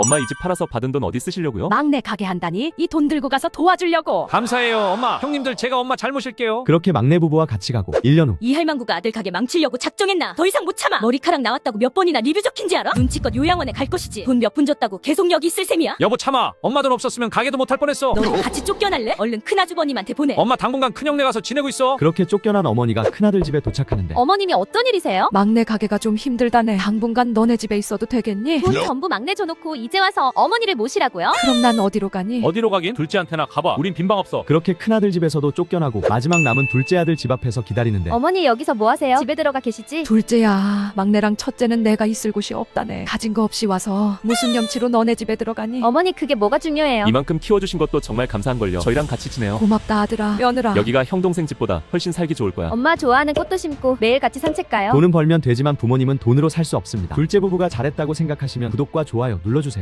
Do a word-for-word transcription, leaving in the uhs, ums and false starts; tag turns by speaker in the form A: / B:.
A: 엄마 이 집 팔아서 받은 돈 어디 쓰시려고요?
B: 막내 가게 한다니 이 돈 들고 가서 도와주려고.
C: 감사해요 엄마. 형님들 제가 엄마 잘 모실게요.
D: 그렇게 막내 부부와 같이 가고 일 년 후
B: 이 할망구가 아들 가게 망치려고 작정했나? 더 이상 못 참아. 머리카락 나왔다고 몇 번이나 리뷰 적힌지 알아? 눈치껏 요양원에 갈 것이지. 돈 몇 푼 줬다고 계속 여기 있을 셈이야?
C: 여보 참아. 엄마 돈 없었으면 가게도 못할 뻔했어.
B: 너도 같이 쫓겨날래? 얼른 큰아주버님한테 보내.
C: 엄마 당분간 큰형네 가서 지내고 있어.
D: 그렇게 쫓겨난 어머니가 큰아들 집에 도착하는데
E: 어머님이 어떤 일이세요?
B: 막내 가게가 좀 힘들다네. 당분간 너네 집에 있어도 되겠니?
E: 돈 전부 막내 줘놓고 이제 와서 어머니를 모시라고요?
B: 그럼 난 어디로 가니?
A: 어디로 가긴? 둘째한테나 가봐. 우린 빈방 없어.
D: 그렇게 큰아들 집에서도 쫓겨나고 마지막 남은 둘째 아들 집 앞에서 기다리는데
E: 어머니 여기서 뭐 하세요? 집에 들어가 계시지?
B: 둘째야, 막내랑 첫째는 내가 있을 곳이 없다네. 가진 거 없이 와서 무슨 염치로 너네 집에 들어가니?
E: 어머니 그게 뭐가 중요해요?
A: 이만큼 키워주신 것도 정말 감사한걸요. 저희랑 같이 지내요.
B: 고맙다 아들아, 며느라.
A: 여기가 형 동생 집보다 훨씬 살기 좋을 거야.
E: 엄마 좋아하는 꽃도 심고 매일 같이 산책 가요.
D: 돈은 벌면 되지만 부모님은 돈으로 살 수 없습니다. 둘째 부부가 잘했다고 생각하시면 구독과 좋아요 눌러주세요.